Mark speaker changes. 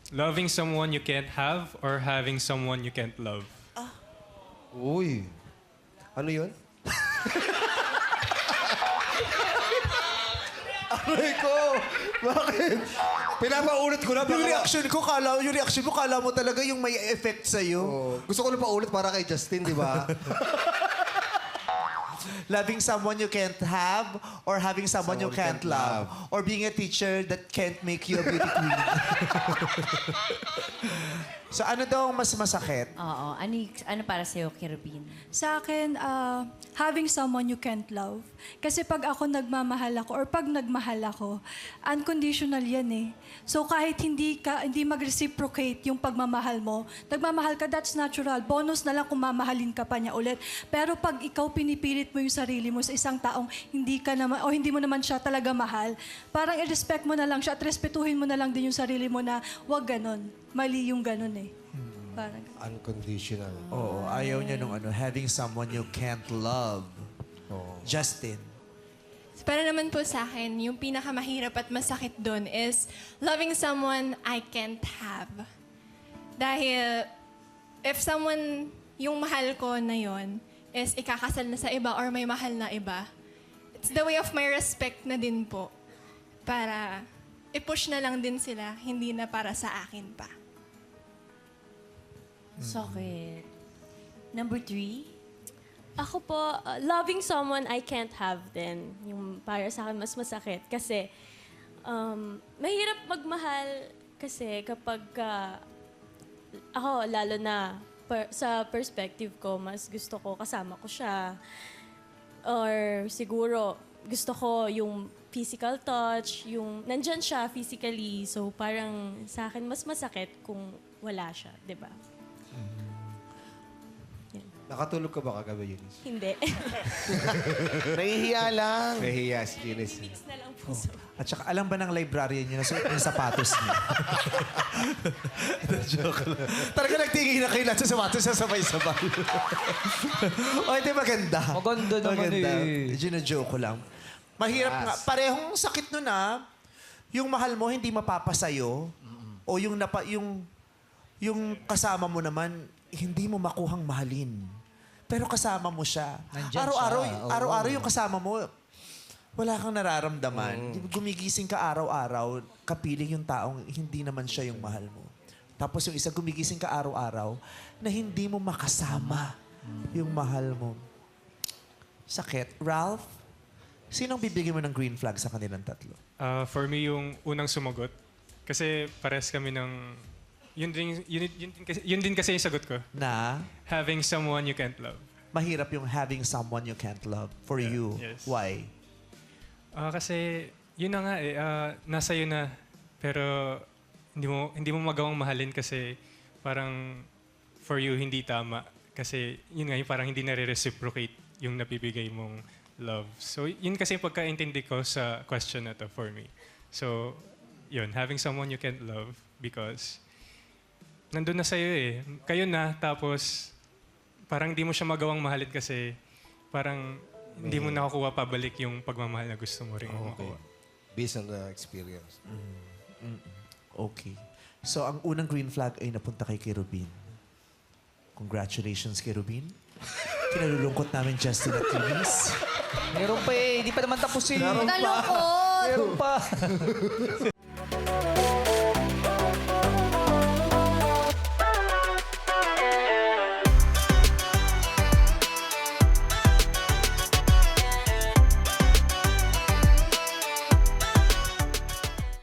Speaker 1: Loving someone you can't have or having someone you can't love?
Speaker 2: Uy. Ano yun? Aray ko! Bakit? Pinapaulit ko na.
Speaker 3: Yung reaction mo, kala mo talaga yung may effect sa'yo.
Speaker 2: Oh, gusto ko na paulit para kay Justin, di ba?
Speaker 3: Loving someone you can't have or having someone you can't love. Or being a teacher that can't make you a beauty queen. So ano daw ang mas masakit?
Speaker 4: Oo. Ano para sa'yo, Kirubin?
Speaker 5: Sa akin, having someone you can't love. Kasi pag ako nagmamahal ako or pag nagmahal ako, unconditional yan eh. So kahit hindi mag-reciprocate yung pagmamahal mo, nagmamahal ka, that's natural. Bonus na lang kung mamahalin ka pa niya ulit. Pero pag ikaw pinipilit mo yung sarili mo sa isang taong hindi ka naman, o hindi mo naman siya talaga mahal, parang i-respect mo na lang siya at respetuhin mo na lang din yung sarili mo na wag ganon. Mali yung ganon eh. Parang
Speaker 2: Unconditional.
Speaker 3: Oo, ayaw niya nung having someone you can't love. Justin.
Speaker 6: Para naman po sa akin, yung pinakamahirap at masakit doon is loving someone I can't have. Dahil if someone, yung mahal ko na yon is ikakasal na sa iba or may mahal na iba, it's the way of my respect na din po. Para i-push na lang din sila, hindi na para sa akin pa.
Speaker 4: Sakit. Number 3?
Speaker 7: Ako po, loving someone I can't have din. Yung para sa akin mas masakit. Kasi, mahirap magmahal kasi kapag ako, lalo na sa perspective ko, mas gusto ko kasama ko siya. Or siguro, gusto ko yung physical touch, yung nandyan siya physically. So parang sa akin mas masakit kung wala siya, di ba?
Speaker 2: Nakatulog ka ba kagabi, Eunice?
Speaker 7: Hindi.
Speaker 3: Nahihiya lang.
Speaker 2: Nahihiya si Eunice.
Speaker 7: Mix na lang po.
Speaker 3: At saka alam ba ng librarian niyo na suot niyo yung sapatos niya? Joke lang. Talaga nagtingin na kayo lahat sa sapatos sa sabay-sabay. O, hindi maganda.
Speaker 8: Maganda naman eh.
Speaker 3: Gina-joke ko lang. Mahirap nga. Parehong sakit nun yung mahal mo hindi mapapasayo o yung kasama mo naman hindi mo makuhang mahalin. Pero kasama mo siya.
Speaker 8: Nandyan
Speaker 3: Araw-araw,
Speaker 8: siya. Oo.
Speaker 3: araw-araw yung kasama mo, wala kang nararamdaman. Gumigising ka araw-araw, kapiling yung taong hindi naman siya yung mahal mo. Tapos yung isa, gumigising ka araw-araw na hindi mo makasama yung mahal mo. Sakit. Ralph, sinong bibigyan mo ng green flag sa kanilang tatlo?
Speaker 1: For me, yung unang sumagot. Kasi pares kami ng... Yun din kasi yung sagot ko.
Speaker 3: Na
Speaker 1: Having someone you can't love.
Speaker 3: mahirap yung having someone you can't love for you.
Speaker 1: yes.
Speaker 3: Why?
Speaker 1: Kasi yun na nga eh. Nasa yun na. Pero hindi mo magawang mahalin kasi parang for you hindi tama. Kasi yun nga yung parang hindi nare-reciprocate yung napibigay mong love. So yun kasi yung pagkaintindi ko sa question na to for me. So yun, having someone you can't love because nandun na sa'yo eh. Kayo na, tapos parang di mo siya magawang mahalin kasi parang hindi mo nakukuha pabalik yung pagmamahal na gusto mo rin makuha.
Speaker 2: Based on the experience.
Speaker 3: Okay. So, ang unang green flag ay napunta kay Kirubin. Congratulations, Kirubin. Kinalulungkot namin Justin at Eunice.
Speaker 8: Meron pa eh. Hindi pa naman tapos eh.
Speaker 4: Nalungkot!
Speaker 8: Meron pa.